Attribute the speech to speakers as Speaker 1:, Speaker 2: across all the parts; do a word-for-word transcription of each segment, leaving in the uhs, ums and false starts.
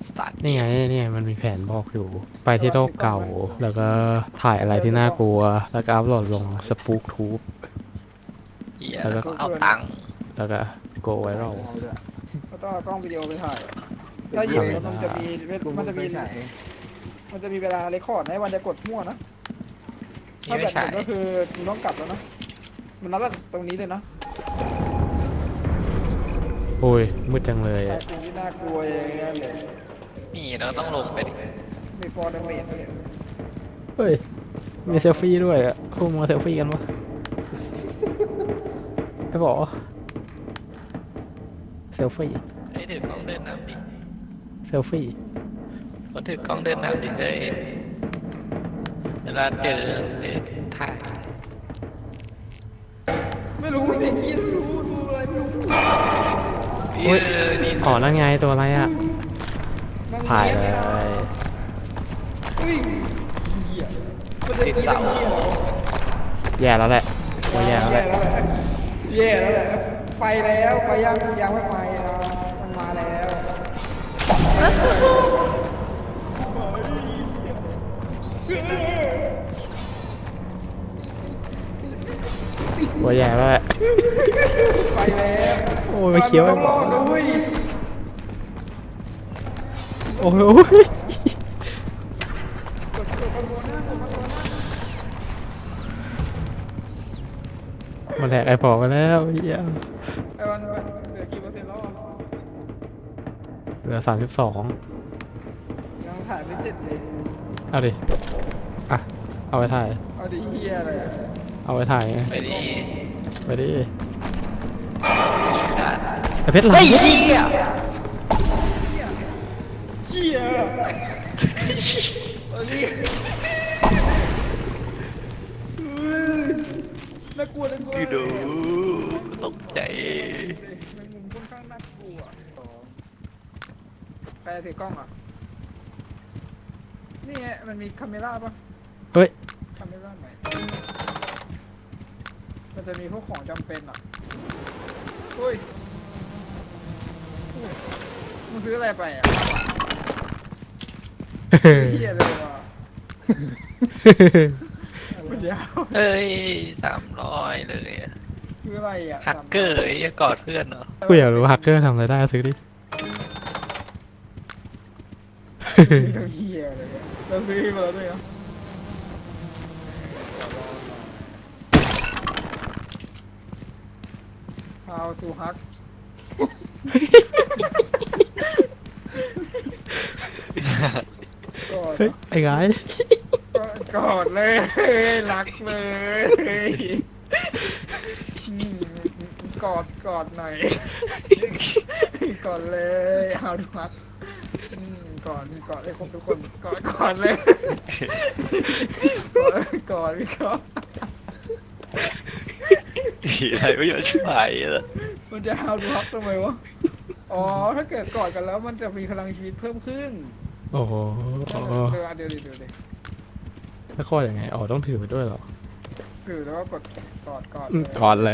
Speaker 1: สตาร์ท
Speaker 2: นี่ไงนี่ไงมันมีแผนบอกอยู่ ไปที่โลกเก่า แล้วก็ถ่ายอะไรที่น่ากลัว แล้วก็อัพโหลดลงสปูกทูบ
Speaker 1: เฮีย
Speaker 2: แล้วก็
Speaker 1: แล้วก็เอาตังค์
Speaker 2: แล้วก็โกไวรัล
Speaker 3: เอาด้วย
Speaker 4: ก็ต้องเอากล้องวิดีโอไปถ่ายถ้ายิงแล้วมันจะมีมันจะมี
Speaker 3: ฉาย
Speaker 4: มันจะมีเวลาเรคคอร์ดให้วันจะกดมั่วนะ
Speaker 1: นี่
Speaker 4: ถ้า
Speaker 1: ไม่
Speaker 4: แบบหม
Speaker 1: ใช่
Speaker 4: ดก็คือคุณต้องกลับแล้วนะมันนับแบบตรงนี้เลยนะ
Speaker 2: โอ้ยมืดจังเลย
Speaker 4: แต่
Speaker 2: อะ
Speaker 4: สิ่งที่น่ากลัวอย่างเงี้ยเลย
Speaker 1: นี่เราต้องลงไปดิ
Speaker 4: มีฟอร์ดเมจเนี่ย
Speaker 2: เฮ้ย มีเซลฟี่ด้วยอ่ะพวกมาเซลฟี่กันวะไอ้บอกเซลฟี่
Speaker 1: เฮ้ยถือกล้องเดินน้ำดิ
Speaker 2: เซลฟี่
Speaker 1: คนถือกล้องเดินน้ำดิเฮ้ยเวลาเจอเอ้ยถ่าย
Speaker 4: ไม่รู้สิคิดรู้ดูอะไรไม่รู้
Speaker 1: เฮ้ยนี่
Speaker 2: อ๋อนั่นไงตัวอะไรอ่ะ
Speaker 4: นั่ง
Speaker 2: ถ่ายเล
Speaker 4: เงีบไม่ได้
Speaker 2: ย
Speaker 4: อุ้ยเหี้ยมันจะตีกันเหี้ยเหรอ
Speaker 2: แย่แล้วแหละโอ้ยแย่แล้วแหละ
Speaker 4: แย่แล้วแหละไปแล้วไปยังยังไม่ไปอ่ะมันมาแล้ว
Speaker 2: โอ้ยแย่แล้วแหละ
Speaker 4: ไปแล้ว
Speaker 2: โอ้ยมาเคี้ยว
Speaker 4: ต้
Speaker 2: ไอ้
Speaker 4: อง
Speaker 2: บ
Speaker 4: ร
Speaker 2: อ
Speaker 4: อก ดด้วย
Speaker 2: โอ้ยโอ้ย
Speaker 4: กดกดคอนโทรลหน้ากดคอนโทรลหน้า
Speaker 2: มาแหลกไอ้ปอกไปแล้วเฮีย
Speaker 4: ไอ้วันเหลือกี่เปอร์เซ็นต์แล้วอ่ะ
Speaker 2: เหลือสามสิบสอง
Speaker 4: ยังถ่ายไม่เสร็จเลย
Speaker 2: เอาดิ อ่ะ เอาไปถ่าย
Speaker 4: เอาดิเฮียเลยอะ
Speaker 2: เอาไปถ่ายไง
Speaker 1: ไปดิ
Speaker 2: ไปดิ
Speaker 1: ขี้ขาด
Speaker 2: ไอ้เพชรหลัง
Speaker 1: เฮ้ยเฮีย
Speaker 4: เฮียเอาดิน่ากลัวน่ากลัว
Speaker 1: คือดูตกใจ
Speaker 4: แมงมุมค่อนข้างน่ากลัวใครถือกล้องอ่ะนี่ไงมันมีคาเมล่าป่ะ
Speaker 2: เฮ้ย
Speaker 4: คาเมล่าไหนมันจะมีพวกของจำเป็นอ่ะเฮ้ยอุ้ยมึงซื้ออะไรไปอ่ะเฮียเลยว่ะมันยาว
Speaker 1: เฮ้ยสามร้อยเลยอะ
Speaker 4: คืออะไรอ่ะ
Speaker 1: ฮักเกอร์ไอ้กอดเพื่อนเหรอ
Speaker 2: กูอยากรู้ฮักเกอร์ทำอะไรได้ซื้อดิ
Speaker 4: เฮียเลยอะเราซื้อมาแล้วด้วยเหรอเอาสู่ฮักกอด
Speaker 2: เฮ้ย ไอ้ไง
Speaker 4: กอดเลยรักเลยอืมกอดกอดหน่อยกอดเลยเอาดูฮักอืมกอดกอดให้ครบทุกคนกอดกอดเลยกอดกอดพี่กอด
Speaker 1: อะไรไม่ยอมช่วยเลย
Speaker 4: มันจะเอาดูฮักทำไมวะอ๋อถ้าเกิดกอดกันแล้วมันจะมีพลังชีวิตเพิ่มขึ้น
Speaker 2: โอ้โห
Speaker 4: เดี๋ยวเดี๋ยวเดี๋ยวเดี๋ยวเดี๋ยว
Speaker 2: แล้วก็ยังไง อ๋อ ต้องถือไปด้วยเหรอ
Speaker 4: คือแล้วก็กดกอดกอด
Speaker 2: อื
Speaker 4: เล
Speaker 2: ม
Speaker 4: ย
Speaker 2: ก่อนเลย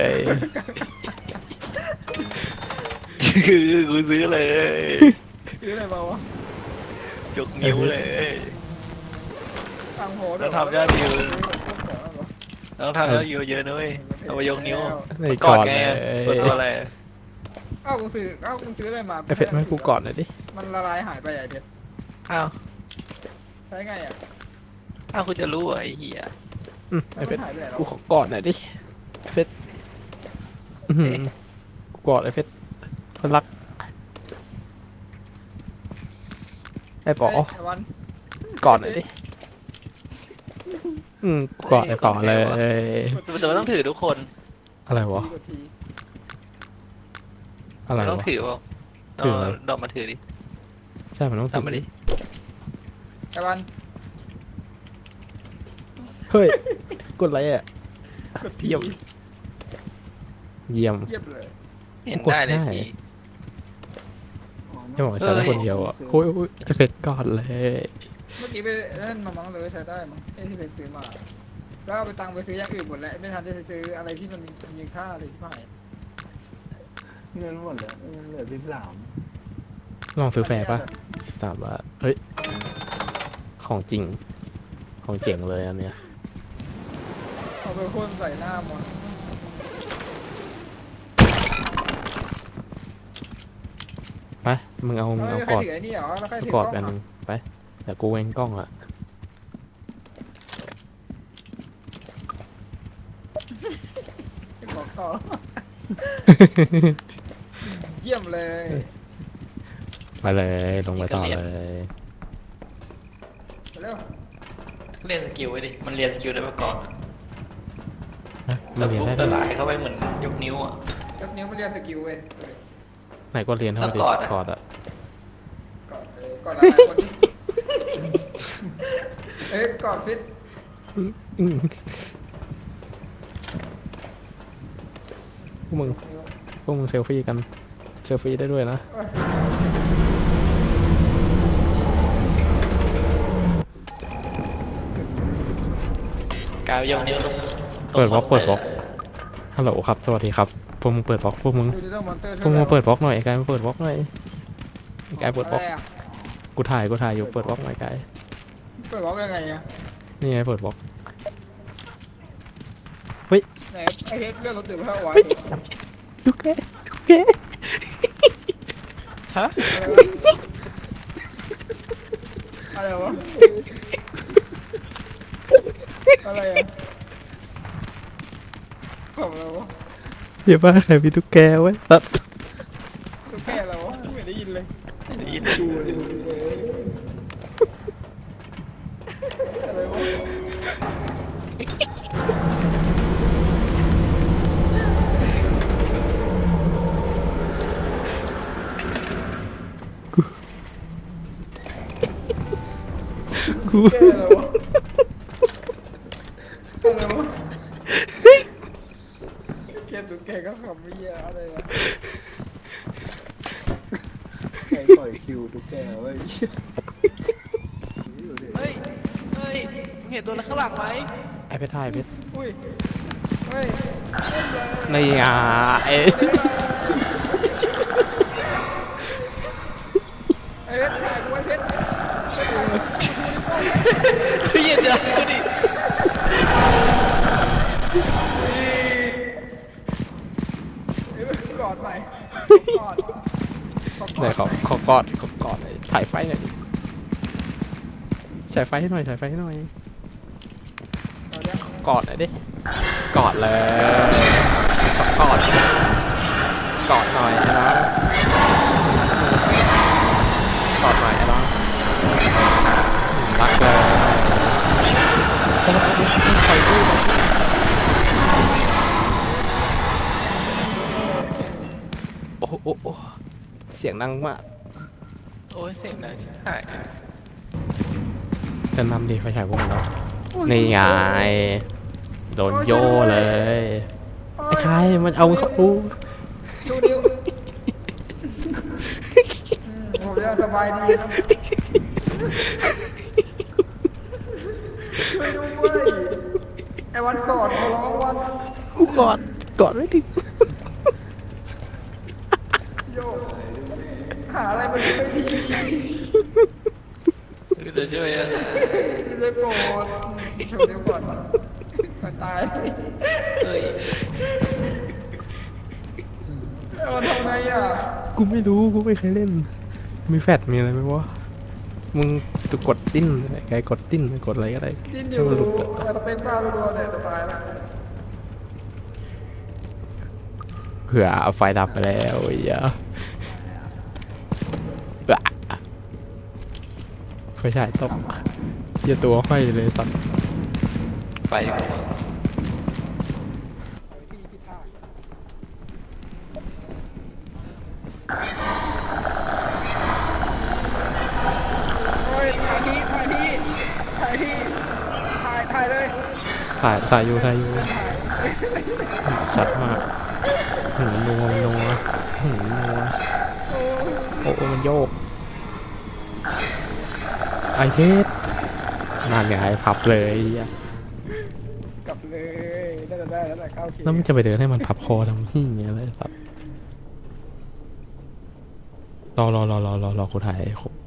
Speaker 1: คือกูซื้อเลย
Speaker 4: ซื้ออะไรมาวะ
Speaker 1: ยกนิ้วเลย
Speaker 4: ตังโห
Speaker 1: แล้วทำยอดวิว ต้องทำแล้วเยอะๆนะเว้ยเอาไปยกนิ้ว
Speaker 2: ไม่
Speaker 1: ก
Speaker 2: ก่
Speaker 1: อ
Speaker 2: อ
Speaker 1: ด
Speaker 2: น
Speaker 1: ไง
Speaker 2: เลย
Speaker 1: กดตัวอะไร
Speaker 4: อ้าวกูซื้ออ้าวกูซื้ออะไรมา
Speaker 2: ไอ้เพชรไม่ให้กูก่อนหน่อยดิ
Speaker 4: มันละลายหายไปใหญ่เพชร
Speaker 1: อ้าว
Speaker 4: ใช้ไงอ่ะ
Speaker 1: อ้าวคุณจะรู้เหรอไอ้เหี้ย
Speaker 2: อืมไอ้เพชร
Speaker 4: มันหายไปไหนแล้ว
Speaker 2: กูขอกอดหน่อยดิเพชรอื้อหือกูกอดไอ้เพชรคนรัก ไอ้ป๋อ
Speaker 4: เฮ้ยไอ้วัน
Speaker 2: กอดหน่อยดิ อืมกูกอดไอ้ป๋อเลย
Speaker 1: แต่มันต้องถือทุกคน
Speaker 2: อะไรวะ
Speaker 4: ทีกดที
Speaker 2: อะไร
Speaker 1: ต้อง
Speaker 2: วะ
Speaker 1: ถือเปล่า
Speaker 2: ถืออะไร
Speaker 1: เอาดอกมาถือดิ
Speaker 2: ใช่ มันต้องถื
Speaker 1: ทำมาดิ
Speaker 4: ไอ้วัน
Speaker 2: เฮ้ย กดอะไรอ่ะ
Speaker 4: กดที
Speaker 2: เยี่ยม เยี่ยม
Speaker 4: เยียบเลย
Speaker 1: เห็นได้เลย
Speaker 2: กดได้
Speaker 1: ที
Speaker 2: จะบอกว่าใช้ได้คนเดียวอ่ะโอ้ยโอ้ยไอ้เพชรกอดเลย
Speaker 4: เมื่อกี้ไปเล่นมามั้งเลยใช้ได้มั้งไอ้ที่ไปซื้อมาแล้วเอาไปตังค์ไปซื้ออย่างอื่นหมดแล้วไม่ทันได้ซื้ออะไรที่มันมีมีค่าเลยที่ผ่าน
Speaker 3: เงินหมดแล้วเงินเหลือสิบสาม
Speaker 2: ลองซื้อแฟร์ปะสิบสามบาทเฮ้ย ของจริง ของเจ๋งเลยอันเนี้ย
Speaker 4: เอาไปพ่นใส่หน้ามัน
Speaker 2: ไป มึงเอามึง
Speaker 4: แล้ว
Speaker 2: เอา
Speaker 4: ใคร
Speaker 2: กอด
Speaker 4: ถือไอ้นี่เหรอแล้วใครถื
Speaker 2: ก
Speaker 4: อ
Speaker 2: อด
Speaker 4: ก
Speaker 2: อัน
Speaker 4: ล้
Speaker 2: ห
Speaker 4: อง
Speaker 2: นึงไปเดี๋ยวกูเว้นกล้องอะ
Speaker 4: อ่ะบอกต่อ เยี่ยมเลย
Speaker 2: ไปเลยลงไปต่อเลย
Speaker 4: ไปเร็ว
Speaker 1: เรียนสกิลไว้ดิ มันเรียนสกิลได้มาก่อนอะ
Speaker 2: ฮะมา
Speaker 1: แล้ว
Speaker 2: เรียน
Speaker 1: ปุ๊บ
Speaker 2: ได้
Speaker 1: ละ
Speaker 2: ไหม
Speaker 1: ลายเข้าไปเหมือนยกนิ้วอ่ะ
Speaker 4: ยกนิ้วมาเรียนสกิลเว้ย
Speaker 2: ไหนก็เรียนเท่าดิ
Speaker 1: แล้วกอดอะ
Speaker 2: กอดอะ
Speaker 4: กอดเลยกอดอะไรคนเอ้ยกอดฟิต
Speaker 2: อืมพวกมึง
Speaker 4: นิ้ว
Speaker 2: พวกมึงเซลฟี่กันเซลฟี่ได้ด้วยนะ
Speaker 4: เอ้ย
Speaker 1: กาวยกนิ้วลง
Speaker 2: เปิดบล็อกเปิดบล็อกฮัลโหลครับสวัสดีครับพวกมึงเปิดบล็อกพวกมึง
Speaker 4: ดูดิเจ้ามอนเตอร์
Speaker 2: พวกมึงมาเปิดบล็อกหน่อยไอ้กายมาเปิดบล็อกหน่อยไอ้กายเปิดบล็อก
Speaker 4: ะไระ
Speaker 2: กูถ่ายกูถ่ายอยู่เปิดบล็อกหน่อยกาย
Speaker 4: เปิดบล็อกยังไงอะ
Speaker 2: นี่ไงเปิดบล็อก
Speaker 4: ไหนไอ้เฮ็ดเลื่อนรถตื่นเพื่อไว้
Speaker 2: ดูแกดูแก
Speaker 1: ฮะ
Speaker 4: อะไรวะอะไรอะขำอะไรวะ
Speaker 2: เดี๋ยวบ้าใครมีตุ๊กแกไว้ตัด
Speaker 4: ตุ๊กแกอะไรวะไม่ได้ยินเลย
Speaker 1: ได้ยิน
Speaker 4: ดูดิอะไรวะ
Speaker 2: กู
Speaker 4: แกอะไรวะอะไรวะแกตุ๊กแกก็ขำไม่เหี้ยอะไรวะ
Speaker 3: ใครปล่อยคิวตุ๊กแกเว้ย
Speaker 1: เฮ้ย เฮ้ยมึงเห็นตัวนั้นข้างหลังไหม
Speaker 2: ไอ้เพชรถ่ายเพชร
Speaker 4: อุ้ยเฮ้ย
Speaker 2: นี่อ่ะไอ้
Speaker 4: ไอ้เพชรถ่ายกูไอ้เพชร
Speaker 1: เฮ้ยเดี๋ยวดูดิ
Speaker 4: เอ้ยกอดหน่อยกอดขอก
Speaker 2: ไหน
Speaker 4: อด
Speaker 2: ขอขอกอดขอกอดหน่อยถ่ายไฟหน่อยดิฉายไฟให้หน่อยฉายไฟให้หน่อย
Speaker 4: เอาเนี่ย
Speaker 2: กอดหน่อยดิกอดเลยกอดกอดหน่อยนะกอดหน่อยนะรักเลยใครด้วยโอ้โหโอ้โหเสียงดังมาก
Speaker 1: โอ้ยเสียงดังชิบหาย
Speaker 2: จะนำดีไฟฉายพวกเรานี่ไงโดนโย่เลยไอ้ใครมันเอาเขาอู้
Speaker 4: ดูดิวอืมผมยังสบายดีครับช่วยด้วยไอ้วันกอดขอร้องวัน
Speaker 2: กูกอดกอดไม่ถึง
Speaker 4: โยหาอะไรมาดูไม่ดี
Speaker 1: เดี๋ยวช่วยอ่ะ
Speaker 4: ไม่ได้โปรดช่วยเดี๋ยวก่อนมันตาย
Speaker 1: เฮ้ย
Speaker 4: ไอ้วันทำไงอ่ะ
Speaker 2: กูไม่รู้กูไม่เคยเล่น มีแฟดมีอะไรไหมวะมึงจะกดดิ้นอะไรไกลกดดิ้นกดอะไรก็ได้
Speaker 4: ดิ้นอ
Speaker 2: ให้
Speaker 4: ยู่
Speaker 2: มันหลุดอะ
Speaker 4: แต่เป็นบ้ารัวๆเนี่ยจะตายแล้ว
Speaker 2: เผื่อเอาไฟดับไปแล้วไอ้เหี้ยอะไฟฉายตกอย่าตัวห้อยเลยสัตว์
Speaker 1: ไปดีกว่า
Speaker 4: พี่พี่ท่าโอ้ยถ่ายทีถ่ายทีถ่ายทีถ่ายถ่ายเลย
Speaker 2: ถ่ายถ่ายอยู่ถ่ายอยู่
Speaker 4: ถ่าย
Speaker 2: ชัดมากหืมนัวนัวหืมนัว
Speaker 4: โอ้ย
Speaker 2: โอ้โอ้มันโยกไอเทสนั่นไงพับเลยไอ้เหี้ย
Speaker 4: กลับเลยน่าจะได้แล้วแหละเก้าเค
Speaker 2: แล้วมันจะไปเดินให้มันพับคอทำที่อย่างเงี้ยเลยครับรอรอรอรอรอรอกูถ่ายให้ครบ